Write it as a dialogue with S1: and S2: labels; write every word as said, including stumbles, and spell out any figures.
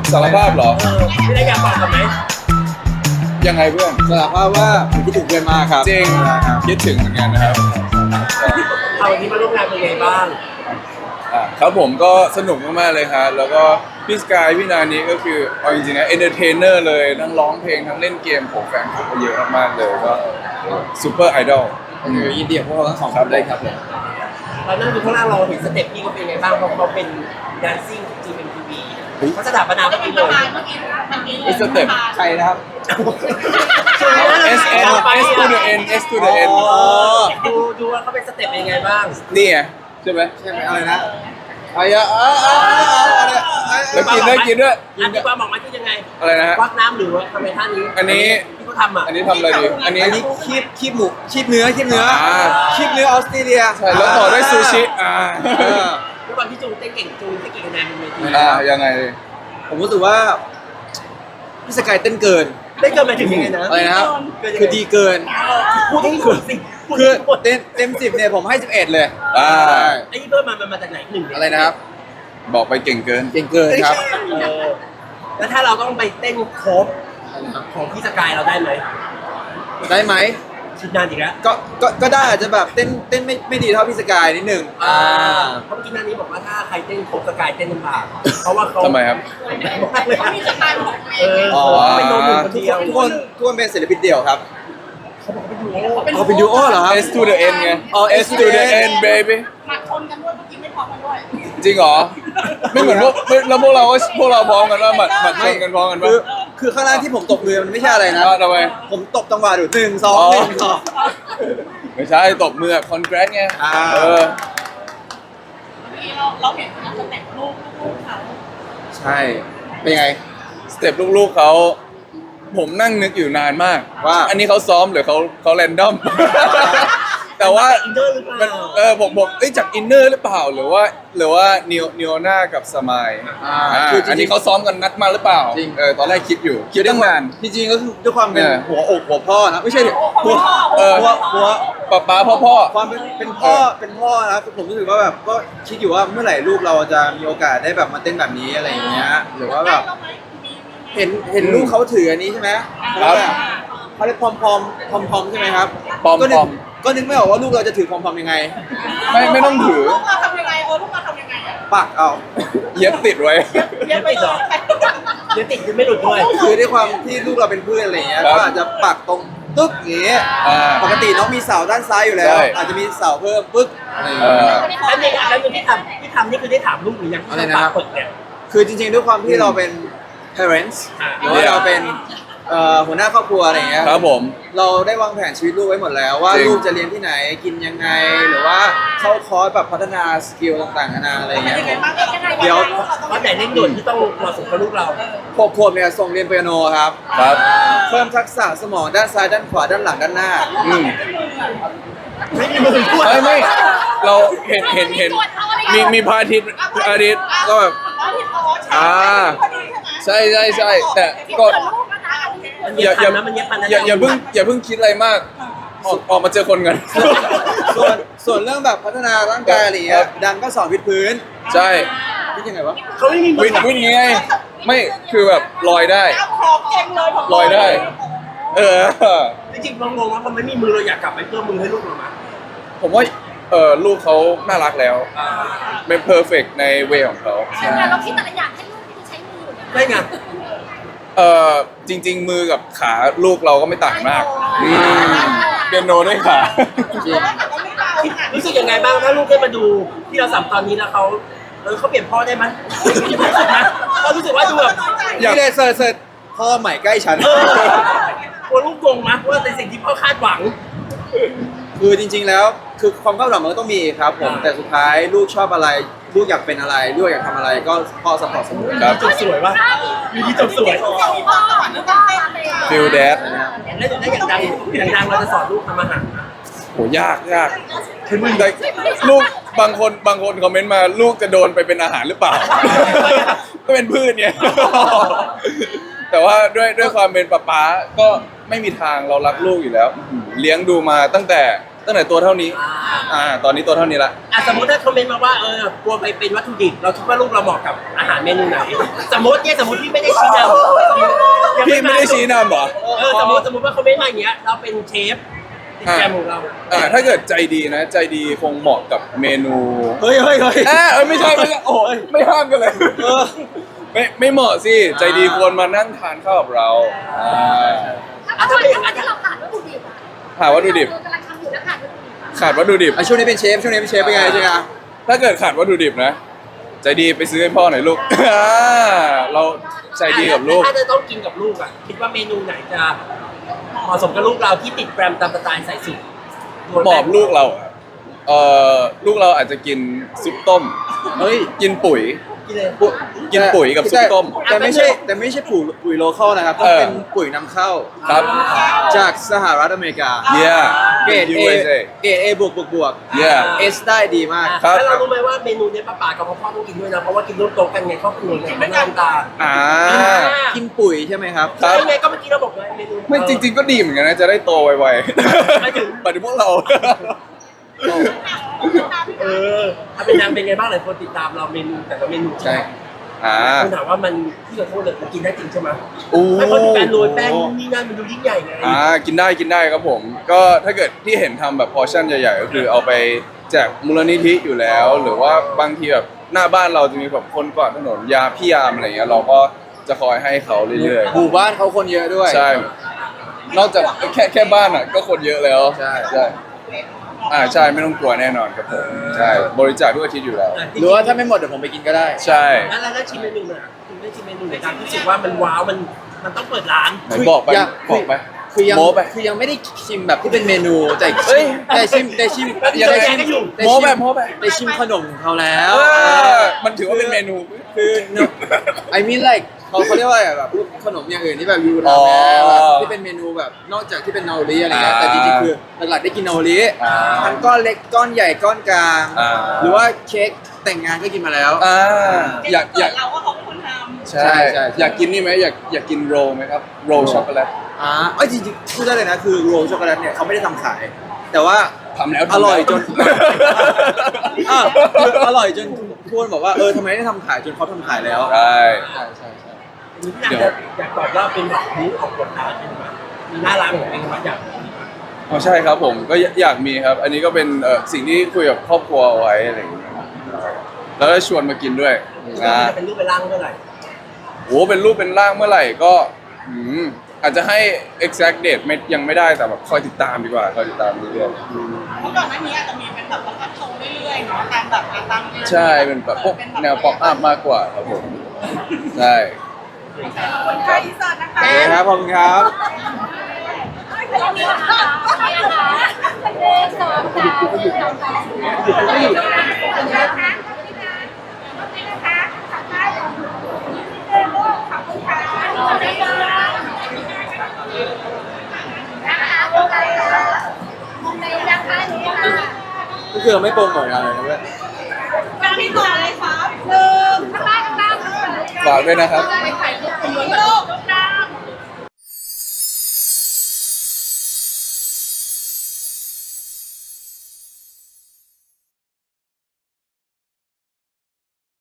S1: สารภาพเหรอ
S2: เออไม่ได้อยากบอกกันไหม
S1: ยังไงเพื่อน
S3: สารภาพว่าผมคิดถึงเพื่อนมากครับ
S1: จริงคิดถึงเหมือนกันนะครับ
S2: เอาวันนี้มาร่วมงานเป็นไงบ้าง
S1: อ่ะครับผมก็สนุกมากๆเลยครับแล้วก็พี่สกายพี่นานี้ก็คือเอาจริงๆนะเอนเตอร์เทนเนอร์เลยทั้งร้องเพลงทั้งเล่นเกมของแฟนคลับก็เยอะมากๆเลยก็ซูเปอร์ไอดอล
S3: คือยินดีกับพวกเราทั้งสองคนเลยครับผม
S2: เรานั่งดูข้างล่างเราเห็นสเต็ปพี่เขาเป็นไงบ้างเพราะเขาเป็นแดนซิ่งจีเอ็มทีวีเขาสถาปนาเมื่อกี้เลย
S1: สเต็ป
S3: ใครนะครับ
S1: S N S to the N S to the N
S3: อ๋อ
S2: ดูดูว่าเขาเป็นสเต็ปเป็นยังไงบ้าง
S1: นี่ไงใช่ไหม
S3: ใช่ไหมอะไรนะไอ้อะอ่ะอ่ะอ่ะอ่ะ
S1: แล้วกินด้วยกินด้วย
S2: อันนี้ความบอกมาที่ยังไง
S1: อะไรนะฮะ
S2: ควักน้ำหรือว่าทำไมท่านี้
S1: อันนี้
S2: ที่เขาทำอ่ะ
S1: อันนี้ทำอะไรดีอันนี้
S3: อันนี้คีบคีบหมูคีบเนื้อคีบเนื้อ
S1: อ่า
S3: คีบเนื้อออสเตรเลีย
S1: ใช่แล้วต่อด้วยซูชิอ่า
S3: เออ
S2: ด้วยความที่จูนเต้นเก่งจูนเต้นเก่งคะแนนบนเวที
S1: อ่ายังไง
S3: ผมรู้สึกว่าพี่สกายเต้นเกิน
S2: ได้เกินมาถึงยังไงนะ
S3: อะไรนะครับคือดีเกิน
S2: พูดให้ถูกสิพูด
S3: คือ
S2: ให้หมด
S3: เต็มเต็มสิบเนี่ยผมให้สิบเอ็ดเลย
S1: อ่า
S2: ไอ้ที่เพิ่มมามันมาจากไหนหนึ่งเนี่ย
S3: อะไรนะครับ
S1: บอกไปเก่งเกิน
S3: เก่งเกินครับ
S2: เออแล้วถ้าเราต้องไปเต้นโคฟของพี่สกายเราได้ไหม
S3: ได้ไหม
S2: คิดนานอีกแล้ว
S3: ก็ก็ก็ได้อาจจะแบบเต้นเต้นไม่ไม่ดีเท่าพี่สกายนิดหนึ่ง
S2: อ่าเพราะเมื่อกี้นันนี้บอกว่าถ้าใครเต้นโคฟสกายเต้นลำบากเพราะว่าเขา
S1: ทำไมครับ
S2: เขามีสไตล์ของตัวเองเออ
S1: อ๋อ
S2: เป็นโดนหนึ่งคน
S3: ทุก
S2: เดียว
S3: คนทุกคนทุกคนเป็นศิลปินเดี่ยวครับ
S2: เขาบอกว่าเป็นดูโอ
S3: เอาเป็นดูโอเหรอครับ
S1: S to the N ไง
S3: อ๋อ
S1: S to the N baby
S4: หมัดชนกันด้วยเมื่อกี้ไม่พร้อมกันด้วย
S1: จริงเหรอ ไม่เหมือนพวกไม่แล้วพวกเราก็พวกเราพร้อมกันว่าหมัดหมัดชนกันพร้อมกัน
S3: คื
S1: ปะ
S3: อคือข้างล่างที่ผมตบมือมันไม่ใช่อะไรนะ
S1: อ่าทำไม
S3: ผมตบจังหวะอยู่หนึ่งสอง
S1: อ๋อ
S3: หนึ่งสอง
S1: ไม่ใช่ตบมือคอนแกรสไง
S3: อ่า
S1: เออ
S4: นี่เราเราเห็นนะสเต็ปลูกลูกเขา
S3: ใช่เป็นไง
S1: สเต็ปลูกๆเขาผมนั่งนึกอยู่นานมาก
S3: ว่า
S1: อันนี้เขาซ้อมหรือเขาเขาแรนดอม แต่ว่า
S2: อินเดอร์หรือเป
S1: มัน
S2: ล่า
S1: เออผมผมเอ้ยจากอินเนอร์หรือเปล่าหรือว่าหรือว่านิวนิวน่ากับสมาย
S3: อ่า
S1: อ่า
S3: คือจริงๆ
S1: อันนี้เขาซ้อมกันนัดมาหรือเปล่า
S3: จริง
S1: เออตอนแรกคิดอยู่คิดตั้งนาน
S3: จริงๆก็คือด้วยความเป็น
S1: เออ
S3: หัวอกหัวพ่อนะไม่ใช่ดิหัว
S1: เออ
S3: หัวหัว
S1: ป๊าป๊าพ่อพ่อ
S3: ความเป็นเป็นพ่อเป็นพ่อนะผมรู้สึกว่าแบบก็คิดอยู่ว่าเมื่อไหร่ลูกเราจะมีโอกาสได้แบบมาเต้นแบบนี้อะไรอย่างเงี้ยหรือว่าแบบเห็นเห็นลูกเขาถืออันนี้ใช่ไหม
S1: ครับ
S3: เขาเรียกพอมพอมพอมพอมใช่ไหมครับ
S1: พอม
S3: ก็นึ
S1: พ
S3: ก
S1: อม
S3: ก็นึกไม่ออกว่าลูกเราจะถือพอมพอมยังไง
S1: ไม่ไม่ต้องถือ
S4: ลูกเราทำยังไงเออลูกเราทำยังไงอ่ะ
S3: ปักเอา
S1: เย็บติดไว้
S4: เย็บไปเลย
S2: เดี๋ยวติดคือไม่หลุดด้วย
S3: คือด้วยความที่ลูกเราเป็นเพื่อนอะไรอย่างเงี้ย
S1: ครับ
S3: ก็อาจจะปักตรงตึ๊กอย่างเงี้ย
S1: อ่า
S3: ปกติน้องมีเสาด้านซ้ายอยู่แล้ว
S1: ใช่
S3: อาจจะมีเสาเพิ่มปึ๊กอะไรอย่าง
S1: เอ
S3: เงี้ย
S1: อ
S2: แล้วนี่แล้วที่ทำที่ทำนี่คือได้ถามลูกหรือยังที่
S3: อะไร
S2: ทำ
S3: นะ
S2: ปากเปิดเนี่ย
S3: คือจริงๆด้วยความที่เราเป็น parents
S2: อ่า
S3: หรือว่าเราเป็นเอ่อหัวหน้าครอบครัวอะไรอย่างเงี้ย
S1: ครับผม
S3: เราได้วางแผนชีวิตลูกไว้หมดแล้ว ว่า
S1: จริง
S3: ลูกจะเรียนที่ไหนกินยังไง หรือว่าเข้าคอร์สแบบพัฒนาสกิลต่างๆนานาอะไรอย่างเงี้ย
S4: ยังไงบ้างยังไง
S3: เดี๋ยว
S2: วันไหนเร่งด่วนที่ต้องเหมาะสมกับลูกเรา
S3: หกขวบเนี่ยส่งเรียนเปียโนครับ
S1: ครับ
S3: เพิ่มทักษะสมองด้านซ้ายด้านขวาด้านหลังด้านหน้า
S1: อืม
S2: ไม่มีมือด้วย
S1: ไม่ไม่เราเห็นเห็นเห็นมีมีพระอาทิตย์พระอาทิตย์ก็แบบ อ่า ใช่ใช่ใช่แต่ก็
S2: มัน
S1: อ
S2: เย็
S1: ย่า
S2: บ
S1: อ
S2: พั
S1: ย่าน
S2: นะมันเย็บพันนะ
S1: อย่าอย่าเพิ่งอย่าเพิ่งคิดอะไรมากออกออกมาเจอคนกัน
S3: ส่วนส่วนเรื่องแบบพัฒนาร่างกายอะไรอย่างเงี้ยดังก็สอนวิดพื้น
S1: ใช่
S3: คิดยังไงวะ
S2: เขาไม่มีมื
S1: วิ่
S2: อง
S1: วิ่งไงไม่คือแบบลอยได้
S4: ของเก่งเลย
S1: ลอยได้ เออ
S2: จริงๆเรางงว่าพอไม่มีมือเราอยากกลับไปเพิ่มมือให้ลูกเรามา
S1: ผมว่าเออลูกเขาน่ารักแล้ว เป็นเพอร์เฟกในเวของเขา
S4: แต่เราคิดแต่ละอย่างให้ลูกที่ใช้มือ
S2: ได้ไง
S1: เออจริง ๆ มือกับขาลูกเราก็ไม่ต่างมากอืมเปียโนด้วยขา
S2: รู้สึกยังไงบ้างถ้าลูกได้มาดูที่เราสัมตอนนี้แล้วเขาเออเขาเปลี่ยนพ่อได้ไหมเขารู้สึกว่าดูแบบ
S1: อยาก
S3: นี่เลยเสิร์ชเสิร์ชพ่อใหม่ใกล้ฉัน
S2: เออกลัวลูกโกงมั้ยว่าในสิ่งที่พ่อคาดหวัง
S3: คือจริงๆแล้วคือความคาดหวังมันก็ต้องมีครับผมแต่สุดท้ายลูกชอบอะไร ลูกอยากเป็นอะไร ลูกอยากทำอะไรก็พ่อสปอร์ตเสมอ
S1: ครับ
S2: จบสวยป่ะมีที่จบสวย
S1: ฟิลแดด
S2: แล้วแล้วอย่างดังอย่างดังเราจะสอนลูกทำอาหารนะ
S1: โหยากยากแต่ลูกบางคนบางคนคอมเมนต์มาลูกจะโดนไปเป็นอาหารหรือเปล่า ก็เป็นพืชเนี่ย แต่ว่าด้วยด้วยความเป็นป๊าป๊าก็ไม่มีทางเรารักลูกอยู่แล้ว เลี้ยงดูมาตั้งแต่ตั้งแต่ตัวเท่านี้อ่าตอนนี้ตัวเท่านี้ละ
S2: อ่ะสมมติถ้าคอมเมนต์มาว่าเออกลัวไปเป็นวัตถุดิบเราคิดว่าลูกเราเหมาะกับอาหารเมนูไหนสมมติเนี่ยสมมติพี่ไม่ได้ชี้นำสมมติยัง
S1: พี่ไม่ได้ชี้นำเหรอ
S2: เออสมมติสมมติว่าคอมเมนต์มาอย่างเงี้ยเราเป็นเชฟติดแกรมของเรา
S1: อ่าถ้าเกิดใจดีนะ ใจดีคงเหมาะกับเมนู
S3: เฮ้ยเฮ้ยเฮ้ย
S1: อ่าเออไม่ใช่ไม่ใช่โอ้ยไม่ห้ามกันเลยเออไม่ไม่เหมาะสิใจดีควรมานั่งทานข้าวกับเราอ่า
S4: ถ้าเป็นอย่างนั้นที่เราขาดวัตถุดิบอะ
S1: หาวัตถุดิบ
S4: เรากำลังทำอยู่แล้วขาดวัตถุดิบอะ
S1: ขาดวัตถุดิบ
S3: อ่ะช่วงนี้เป็นเชฟช่วงนี้เป็นเชฟเป็นไงใช่ไหม
S1: ถ้าเกิดขาดวัตถุดิบนะ ใจดีไปซื้อให้พ่อหน่อยลูก อ่าเราใจดีกับลูก
S2: ถ้าจะต้องกินกับลูกอ่ะคิดว่าเมนูไหนจะเหมาะสมกับลูกเราที่ติดแกรมตามสไตล์ใส่สุด
S1: หมอบลูกเราอะเอ่อลูกเราอาจจะกินซุปต้ม
S3: เฮ้ย
S1: กินปุ๋ย
S2: กินเลย
S3: ปุ๋ย
S1: กินปุ๋ยกับซุปต้ม
S3: แต่ไม่ใช่แต่ไม่ใช่ปุ๋ยปุ๋ยโลคอลนะครับต้อง
S1: เออ
S3: เป็นปุ๋ยนำเข้า
S1: ครับ
S3: จากสหรัฐอเมริกา
S1: yeah
S3: เกรด
S1: ยู
S3: เอ
S1: เอสเอ
S3: เกรดเอบวกบวกบวก
S1: yeah
S3: เอสได้ดีมาก
S1: ครับ
S2: แล้วเรารู้ไหมว่าเมนูเนี้ยป้าป๋ากับพ่อพ่อต้องกินด้วยนะเพราะว่ากินร่วมโต๊ะกันไงครอบครัวเนี่ยไม่น้ำตา
S1: อ่า
S3: กินปุ๋ยใช่ไหมครับ
S1: ครับ
S2: ใช่ไงก็เมื่อกี้เราบอกเลยเมนู
S1: ไม่จริง ๆ ก็ดีเหมือนกันนะ จะได้โตไว
S2: หมาย
S1: ๆ
S2: ถึง
S1: หมายถึงพวกเรา
S2: เออถ้าเป็นนางเป็นไงบ้างหลายคนติดตามเราเมนูแต่ละเมนู
S1: ใช่ อ่า
S2: คุณถามว่ามันที่เราโทษเลยมันกินได้จริงใช่ไหม
S1: โอ้
S2: ถ้าเขาถึงการโรยแป้งนู่นนี่นั่นมันดูยิ่งใหญ่ไง
S1: อ่ากินได้กินได้ครับผม ก็ถ้าเกิดที่เห็นทำแบบพอร์ชั่นใหญ่ๆ ก็คือเอาไปแจกมูลนิธิอยู่แล้ว หรือว่าบางทีแบบหน้าบ้านเราจะมีแบบคนกวาดถนนยาพี่ยามอะไรเงี้ยเราก็จะคอยให้เขาเรื่อย
S3: หมู่บ้านเขาคนเยอะด้วย
S1: ๆ ใช่ นอกจากแค่แค่บ้านอ่ะก็คนเยอะแล้ว
S3: ใช่
S1: ใช่อ่าใช่ไม่ต้องกลัวแน่นอนครับผมใช่บริจาคทุกอาทิตย์อยู่แล้ว
S3: หรือว่าถ้าไม่หมดเดี๋ยวผมไปกินก็ได้
S1: ใช่
S2: แล้วแล้วชิมเมนูหน่อยคุณได้ชิมเมนูไหนครับรู้สึกว่ามันว้าวมันมันต้องเปิดร้าน
S1: ไหนบอกไป
S3: อยาก
S1: บอกไป
S3: คือยัง
S1: โม้ไป
S3: คือยังไม่ได้ชิมแบบที่เป็นเมนูแต่
S1: เฮ้ย
S3: แต่ชิมแต่ชิม
S2: ยังไม่
S3: แต่ชิม
S2: ได้อยู่
S3: แต่
S1: โม้
S3: ชิ
S1: ไปโม้ไป
S3: แต่ชิมขนมของเขาแล้ว
S1: เออมันถือว่าเป็นเมนู
S3: คือ I mean like เขาเขาเรียกว่าอะไรแบบพวกขนมอย่างอื่นที่แบบยู
S1: อ๋
S3: รา
S1: อ
S3: แม้แบบที่เป็นเมนูแบบนอกจากที่เป็นนาโอริอะไรเงี้ย
S1: อ่า
S3: แต่จริงๆคือหลักๆได้กินนาโอริ
S1: อ่า
S3: ทั้งก้อนเล็กก้อนใหญ่ก้อนกลาง
S1: อ่า
S3: หรือว่าเค้กแต่งงานก็กินมาแล้ว
S1: อ่าอยากอยาก
S4: เราก็เขาเป็นคนทำ
S1: ใช่
S3: ใช่ใช่
S1: อยากกินนี่ไหมอยากอยากกินโรลไหมครับโรลช็อกโกแลต
S3: อ่าเอ้ยจริงๆพูดได้เลยนะคือโรลช็อกโกแลตเนี่ยเขาไม่ได้ทำขาย แต่ว่า
S1: ทำแล้ว
S3: อร่อยจน
S1: ทำแล้ว
S3: อ่ะคืออร่อยจนทุกคนบอกว่าเออทำไมไม่ได้ทำขายจนเขาทำขายแล้ว
S1: ใช่
S3: ใช่ใช่ใช่
S2: อยากจะอยากตอบว่าเป็นแบบนี้ออกกฎร้านเป็นแบบมีหน้าร้านของเองมาอยาก
S1: อ๋อใช่ครับผมก็อยอยากมีครับ อันนี้ก็เป็นเอ่อสิ่งที่คุยกับครอบครัวเอาไว้อะไรอย่างเงี้ยแล้วก็ชวนมากินด้วย
S2: จะ
S1: อ่า
S2: เป็นรูปเป็นร่างเมื่อไหร่
S1: โอ้เป็นรูปเป็นร่างเมื่อไหร่ก็อืมอาจจะให้ exact date ไม่ยังไม่ได้แต่แบบคอยติดตามดีกว่าคอยติดตามเรื่อย
S4: เมื่อก่อนหน้านี้อาจจะมีเป็นแบบประทับโชว์เรื่อยๆเนาะตามแบบตาม
S1: ๆใช่เป็นแบบพวกแนวป๊อปอัพมากกว่าครับผมใช่
S4: คนไทยอีสานนะคะ
S3: โอเคครับขอบคุณครับ
S4: เรามีค่ะมีค่ะหนึ่งสองสามหนึ่งสองสามขอบคุณนะคะนะคะขอบคุณค่ะขอบคุณค่ะนะคะโอเคโอเคนะคะนี่ค่ะ
S3: ก็คือเราไม่โปรโมทอะไรนะเว้ย
S4: การที่ต่อเลยครับหนึ่งข้างล่างข้างล่าง
S1: ฝากด้วยนะครับ
S4: ไปถ่าย